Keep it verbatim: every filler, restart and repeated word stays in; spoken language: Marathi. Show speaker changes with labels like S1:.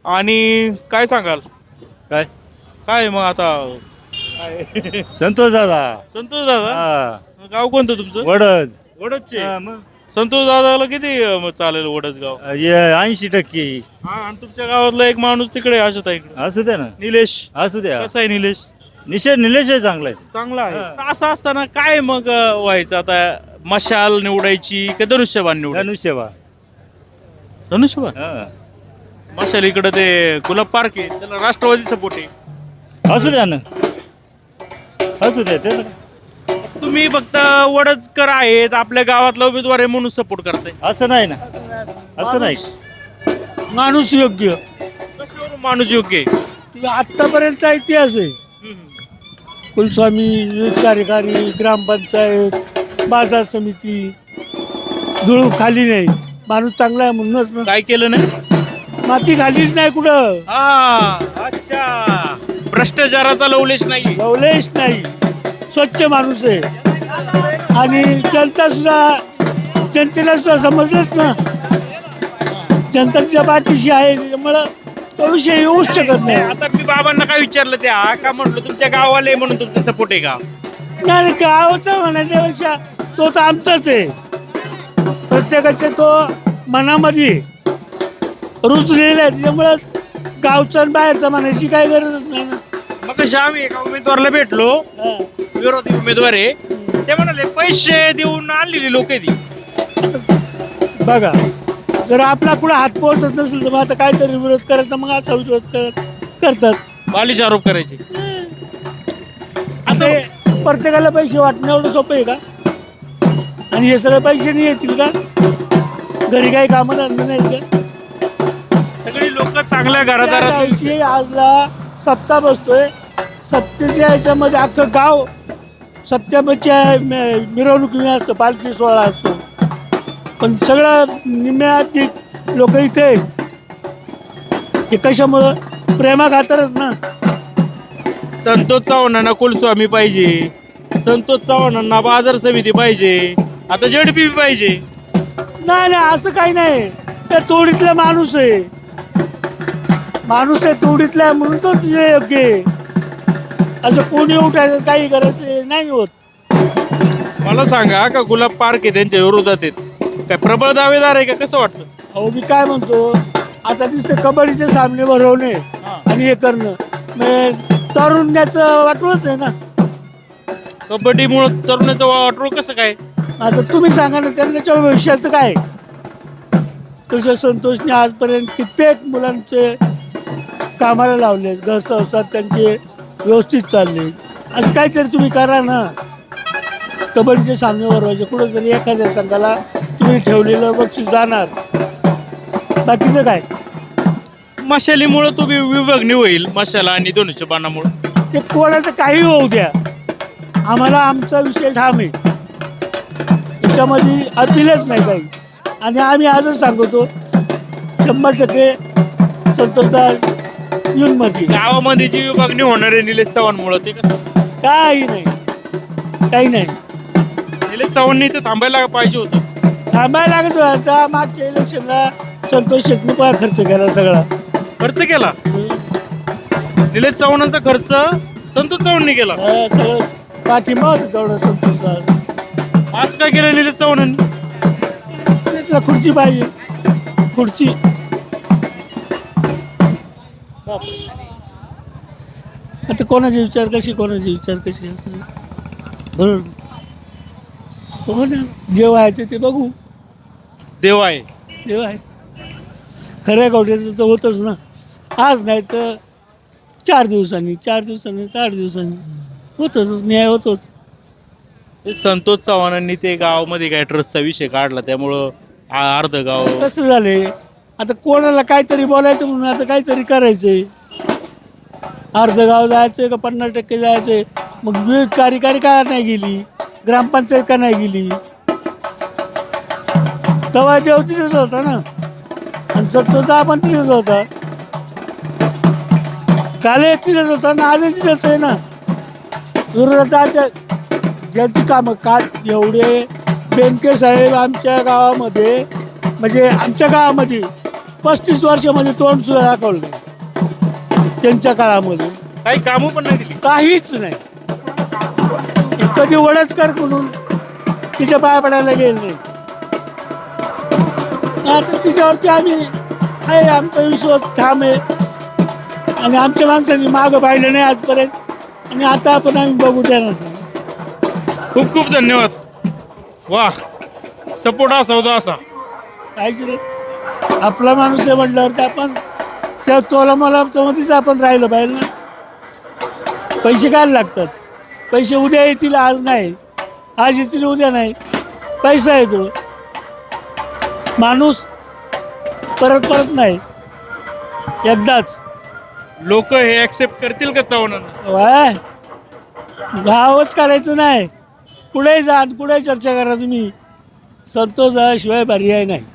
S1: आणि काय सांगाल
S2: काय
S1: काय मग आता काय
S2: संतोष दादा
S1: संतोष दादा
S2: हा
S1: गाव कोणतं तुमचं
S2: वडद
S1: वडदचे
S2: हा, मग
S1: संतोष दादाला किती अं, चालेल वडच गाव
S2: ऐंशी टक्के
S1: हा आणि तुमच्या गावातला एक माणूस तिकडे आशत आहे इकडे
S2: असू द्या ना
S1: निलेश
S2: असू द्या
S1: कसा आहे निलेश
S2: निश्चय निलेश चांगला आहे
S1: चांगला आहे
S2: हा.
S1: तर असं असताना काय मग अं, व्हायचं आता मशाल निवडायची का धनुष्यबाण निवडायची
S2: धनुष्यबा
S1: धनुष्यबाण
S2: हा
S1: मशाल इकडे ते गुलाब पार्क आहे त्याला राष्ट्रवादी सपोर्ट आहे
S2: असू द्या ना असू द्या त्याला
S1: तुम्ही फक्त वडचकर आहेत आपल्या गावातला उमेदवार आहे म्हणून सपोर्ट करताय
S2: असं नाही ना असं नाही
S3: माणूस योग्य
S1: कशावर माणूस योग्य आहे
S3: तुझा आत्तापर्यंतचा इतिहास आहे. कुलस्वामी विविध कार्यकारी ग्रामपंचायत बाजार समिती धूळ खाली नाही. माणूस चांगला आहे म्हणूनच ना.
S1: काय केलं नाही
S3: माती खालीच नाही कुठं.
S1: हा अच्छा भ्रष्टाचाराचा लवलेश नाही
S3: लवलेश नाही. स्वच्छ माणूस आहे आणि जनता सुद्धा जनतेला सुद्धा समजलंच ना. जनता तिच्या पाठीशी आहे त्याच्यामुळं तो विषय येऊच शकत नाही.
S1: आता मी बाबांना काय विचारलं त्या का म्हटलं तुमच्या गावाला म्हणून तुमचा सपोर्ट आहे का
S3: नाही गावचं म्हणण्यापेक्षा तो तर आमचाच आहे. प्रत्येकाच्या तो मनामध्ये रुजलेला आहे त्याच्यामुळं गावचा आणि बाहेरचा म्हणायची काही गरजच नाही ना.
S1: मग कशा आम्ही एका उमेदवाराला भेटलो
S3: हा.
S1: विरोधी उमेदवार आहे ते म्हणाले पैसे देऊन आणलेली लोक ती
S3: बघा जर आपला कुठं हात पोहोचत नसेल तर मग आता काहीतरी विरोध करायचा मग असा विरोध करत करतात.
S1: बालिश आरोप करायचे
S3: आता हे प्रत्येकाला पैसे वाटणं एवढं सोपं आहे का. आणि हे सगळे पैसे नाही येतील का. घरी काही कामं धंदे नाहीत का.
S1: सगळी लोक चांगल्या
S3: त्या
S1: घरादारात
S3: दिवशी आजला सप्ताह बसतोय. सप्तेच्या ह्याच्यामध्ये अख्खं गाव सप्त्याच्या मिरवणुकीने असतं. पालखी सोहळा असतो पण सगळं निम्म्याधिक लोक इथे आहेत. हे कशामुळं प्रेमा खातरच ना.
S1: संतोष चव्हाणांना कुलस्वामी पाहिजे संतोष चव्हाणांना बाजार समिती पाहिजे आता जेडपी पाहिजे
S3: नाही नाही असं काही नाही. त्या तोडीतला माणूस आहे. माणूस त्या तोडीतला आहे म्हणून तो तुझे योग्य आहे. असं कोणी उठायचं काही करायचं नाही होत.
S1: मला सांगा का गुलाब पार्क आहे त्यांच्या विरोधात आहेत काय प्रबळ दावेदार आहे का कसं वाटतं
S3: अहो मी काय म्हणतो आता नुसते कबड्डीचे सामने भरवणे आणि हे करणं मग तरुण्याचं वाटलंच आहे ना.
S1: कबड्डीमुळे तरुणाचं वाटोळ कसं काय
S3: आता तुम्ही सांगा ना त्यांच्या भविष्याचं काय. तसं संतोषने आजपर्यंत कित्येक मुलांचे कामाला लावले. घर संसार त्यांचे व्यवस्थित चालले. असं काहीतरी तुम्ही करा ना. कबड्डीचे सामने भरवायचे कुठंतरी एखाद्या संघाला तुम्ही ठेवलेलं बक्षीस जाणार. बाकीचं काय
S1: मशालीमुळे तुम्ही विभागणी होईल मशाला आणि दोनशे बाणामुळे
S3: ते कोणाचं काही होऊ द्या आम्हाला आमचा विषय ठाम आहे. याच्यामध्ये अपीलच नाही काही. आणि आम्ही आजच सांगतो शंभर टक्के संतोषदार येऊन मध्ये
S1: गावामध्ये जी विभागणी होणार आहे निलेश चव्हाणमुळे ते कसं
S3: काही नाही काही नाही.
S1: निलेश चव्हाणनी ते थांबायला पाहिजे होतं
S3: थांबायला लागत होता. त्या मागच्या इलेक्शनला संतोष शेटने पण खर्च केला सगळा.
S1: खर्च केला निलेश चव्हाणांचा खर्च संतोष चव्हाणनी केला
S3: हा, सगळं पाठिंबा होता तेवढा संतोषचा.
S1: आज काय केलं निलेश चव्हाणांनी
S3: त्याला खुर्ची पाहिजे खुर्ची. आता कोणाचे विचार कशी कोणाचे विचार कशी असं बरोबर हो ना. जे व्हायचं ते बघू.
S1: देव आहे
S3: देव आहे. खऱ्या गावठ्याचं तर होतच ना. आज नाही तर चार दिवसांनी चार दिवसांनी तर आठ दिवसांनी होतच न्याय होतोच.
S1: ते संतोष चव्हाणांनी ते गावामध्ये काय ट्रस्टचा विषय काढला त्यामुळं आ- अर्ध गाव
S3: कसं झाले आता कोणाला काहीतरी बोलायचं म्हणून आता काहीतरी करायचंय. अर्ध गाव जायचंय का पन्नास टक्के जायचंय. मग विविध कार्यकारी का नाही गेली ग्रामपंचायत का नाही गेली. तेव्हा देव तिथेच होता ना आणि सत्तरचा आपण तिथेच होता. काल तिथेच होता ना आज तिथेच आहे ना. विरोधात ज्यांची कामं काल एवढे बेनके साहेब आमच्या गावामध्ये म्हणजे आमच्या गावामध्ये पस्तीस वर्षामध्ये तोंड सुद्धा दाखवलं नाही त्यांच्या काळामध्ये.
S1: काही कामं पण नाही दिली.
S3: काहीच नाही. कधी वडचकर म्हणून तिच्या पाया पडायला गेले नाही. आता तिच्यावरती आम्ही आहे, आमचा विश्वास ठाम आहे आणि आमच्या माणसांनी मागं पाहिलं नाही आजपर्यंत आणि आता आपण आम्ही बघू देणार नाही.
S1: खूप खूप धन्यवाद. वा, सपोर्ट असा होता असा.
S3: काहीच नाही. आपला माणूस आहे म्हटल्यावरती आपण त्या तोला मला मध्येच आपण राहिलं पाहिजे ना. पैसे काय लागतात? पैसे उद्या येतील, आज नाही. आज येतील, उद्या नाही. पैसा येतो, माणूस परत परत नाही, एकदाच.
S1: लोक हे ऍक्सेप्ट करतील का चव्हाणांना?
S3: वाय गावच काढायचं नाही. कुठेही जा, कुठेही चर्चा करा तुम्ही, संतोष शिवाय पर्याय नाही.